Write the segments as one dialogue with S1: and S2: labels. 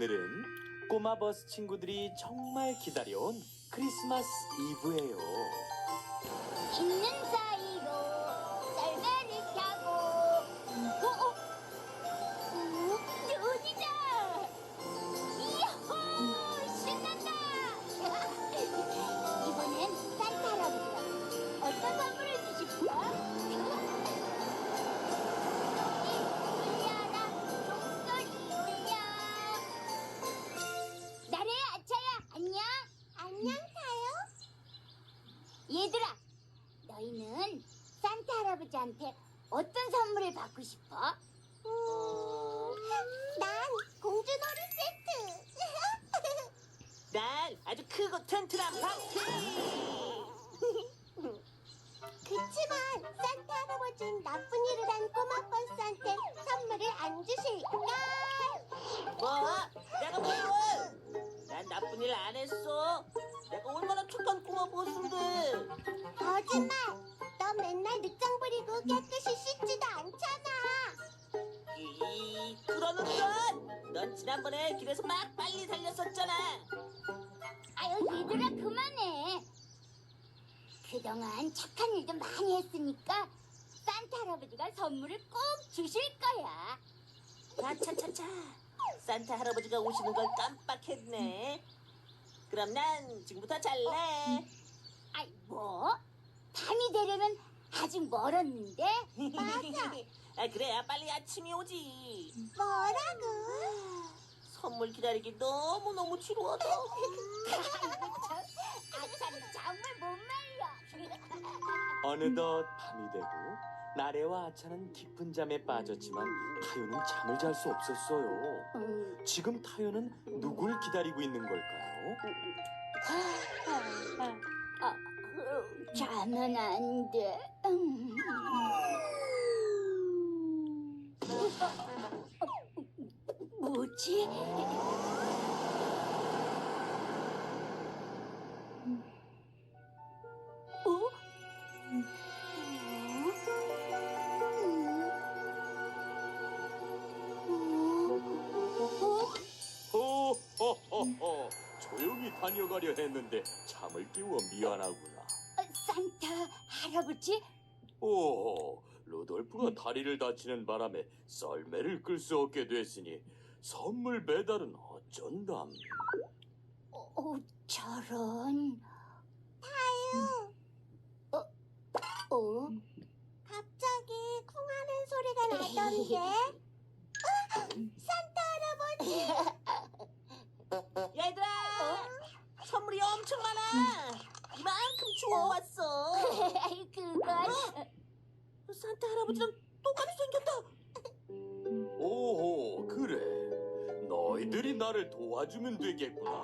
S1: 오늘은 꼬마 버스 친구들이 정말 기다려온 크리스마스 이브예요.
S2: 있는 사이로 썰매를 타고 눈이다. 이호 신난다. 이번엔 산타 할아버지가 어떤 선물을 주실까? 울려라 종소리 울려. 나래야 아차야 안녕. 안녕 타요. 얘들아, 너희는 산타 할아버지한테 어떤 선물을 받고 싶어? 난 공주놀이 세트.
S3: 난 아주 크고 튼튼한 방패.
S2: 그치만 산타 할아버지는 나쁜 일을 한 꼬마 버스한테 선물을 안 주실까?
S3: 뭐? 내가 뭘? 난 나쁜 일 안 했어. 내가 얼마나 착한 꼬마 보스인데.
S2: 거짓말! 너 맨날 늑장 부리고 깨끗이 씻지도 않잖아.
S3: 그러는 넌 지난번에 길에서 막 빨리 달렸었잖아.
S2: 아유 얘들아 그만해. 그동안 착한 일도 많이 했으니까 산타 할아버지가 선물을 꼭 주실 거야.
S3: 차차차차. 산타 할아버지가 오시는 걸 깜빡했네. 그럼 난 지금부터 잘래.
S2: 아이 뭐? 밤이 되려면 아직 멀었는데? 맞아.
S3: 아, 그래야 빨리 아침이 오지.
S2: 뭐라고?
S3: 선물 기다리기 너무너무 지루하다.
S2: 아차는 정말 못 말려.
S1: 어느덧 밤이 되고 나래와 아차는 깊은 잠에 빠졌지만 타요는 잠을 잘 수 없었어요. 지금 타요는 누굴 기다리고 있는 걸까요?
S2: 자면 안 돼. 뭐지?
S1: 호호호호, 조용히 다녀가려 했는데 잠을 깨워 미안하구나.
S2: 산타 할아버지?
S1: 오, 루돌프가 다리를 다치는 바람에 썰매를 끌 수 없게 됐으니 선물 배달은 어쩐담.
S2: 저런. 타요. 갑자기 쿵하는 소리가 나던데. 산타 할아버지.
S3: 얘들아, 선물이 엄청 많아. 이만큼 주워왔어.
S2: 그건
S3: 산타 할아버지랑 똑같이 생겼다.
S1: 오호, 그래. 너희들이 나를 도와주면 되겠구나.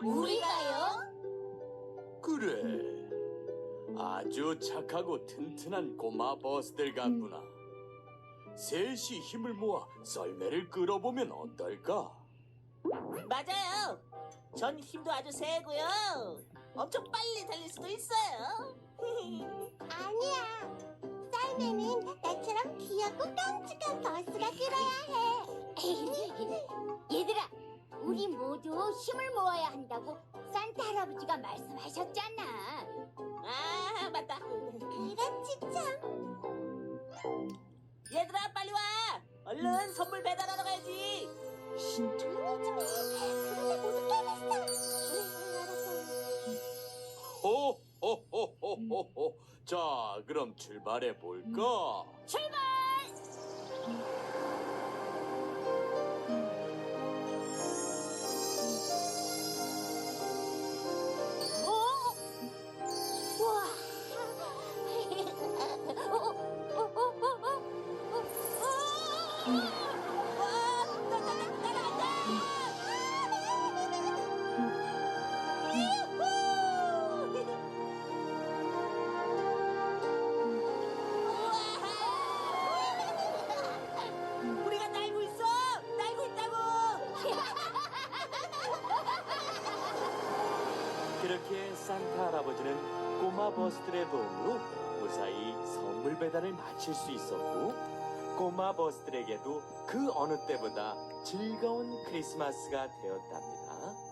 S2: 우리가요?
S1: 그래. 아주 착하고 튼튼한 꼬마 버스들 같구나. 셋이 힘을 모아 썰매를 끌어보면 어떨까?
S3: 맞아요. 전 힘도 아주 세고요. 엄청 빨리 달릴 수도 있어요.
S2: 아니야. 썰매는 나처럼 귀엽고 깜찍한 버스가 끌어야 해. 얘들아, 우리 모두 힘을 모아야 한다고 산타 할아버지가 말씀하셨잖아.
S3: 아, 맞다.
S2: 그렇지 참.
S3: 얘들아, 빨리 와. 얼른 선물 배달하러 가야지.
S2: 조용히 좀 해. 그러다 모두 깨겠어.
S1: 호호호호호호. 자, 그럼 출발해 볼까?
S2: 출발! 우와!
S3: 우리가 날고 있어. 날고 있다고.
S1: 그렇게 산타 할아버지는 꼬마 버스들의 도움으로 무사히 선물 배달을 마칠 수 있었고, 꼬마 버스들에게도 그 어느 때보다 즐거운 크리스마스가 되었답니다.